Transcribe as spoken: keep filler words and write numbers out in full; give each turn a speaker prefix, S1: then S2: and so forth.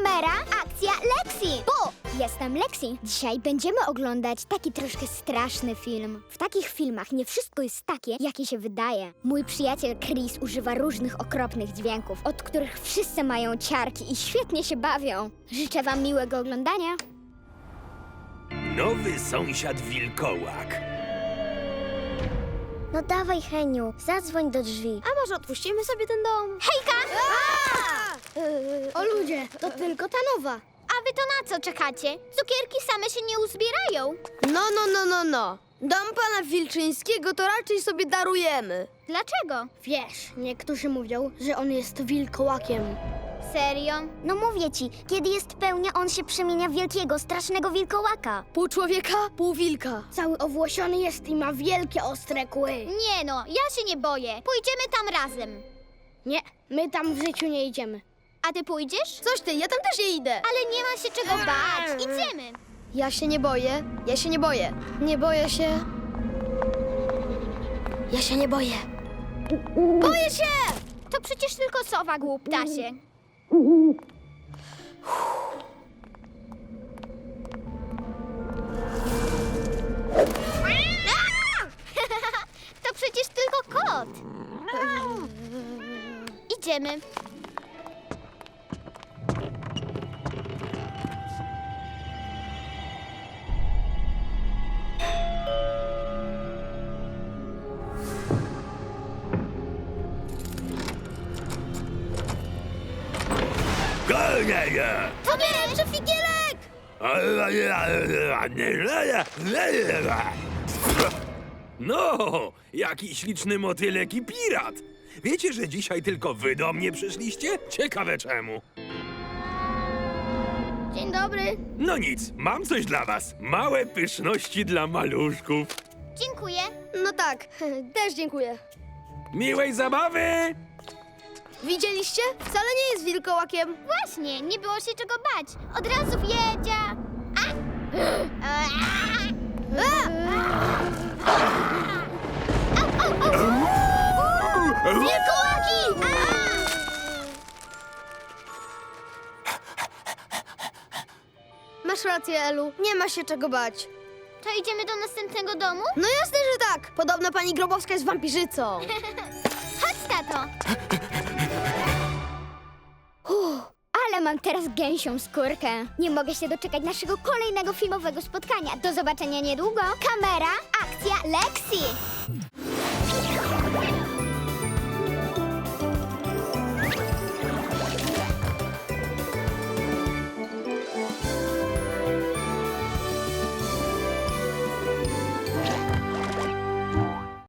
S1: Kamera, akcja, Lexi! Bu! Jestem Lexi. Dzisiaj będziemy oglądać taki troszkę straszny film. W takich filmach nie wszystko jest takie, jakie się wydaje. Mój przyjaciel Chris używa różnych okropnych dźwięków, od których wszyscy mają ciarki i świetnie się bawią. Życzę wam miłego oglądania.
S2: Nowy sąsiad wilkołak.
S1: No dawaj, Heniu, zadzwoń do drzwi.
S3: A może odpuścimy sobie ten dom?
S1: Hejka!
S3: O ludzie, to tylko ta nowa.
S1: A wy to na co czekacie? Cukierki same się nie uzbierają.
S3: No, no, no, no, no. Dom pana Wilczyńskiego to raczej sobie darujemy.
S1: Dlaczego?
S3: Wiesz, niektórzy mówią, że on jest wilkołakiem.
S1: Serio? No mówię ci, kiedy jest pełnia, on się przemienia w wielkiego, strasznego wilkołaka.
S3: Pół człowieka, pół wilka. Cały owłosiony jest i ma wielkie, ostre kły.
S1: Nie no, ja się nie boję. Pójdziemy tam razem.
S3: Nie, my tam w życiu nie idziemy.
S1: A ty pójdziesz?
S3: Coś ty, ja tam też nie idę.
S1: Ale nie ma się czego bać. Idziemy.
S3: Ja się nie boję, ja się nie boję. Nie boję się. Ja się nie boję. Boję się!
S1: To przecież tylko sowa, głuptasie. To przecież tylko kot. Idziemy. To nie, że figielek!
S2: No, jaki śliczny motylek i pirat. Wiecie, że dzisiaj tylko wy do mnie przyszliście? Ciekawe czemu.
S3: Dzień dobry.
S2: No nic, mam coś dla was. Małe pyszności dla maluszków.
S1: Dziękuję.
S3: No tak, też dziękuję.
S2: Miłej zabawy!
S3: Widzieliście? Wcale nie jest wilkołakiem.
S1: Właśnie, nie było się czego bać. Od razu wiedzia. A! A! Au, au, au! Wilkołaki! A!
S3: Masz rację, Elu. Nie ma się czego bać.
S1: To idziemy do następnego domu?
S3: No jasne, że tak. Podobno pani Grobowska jest wampirzycą.
S1: Chodź, tato. Uff, ale mam teraz gęsią skórkę. Nie mogę się doczekać naszego kolejnego filmowego spotkania. Do zobaczenia niedługo. Kamera, akcja, Lexi!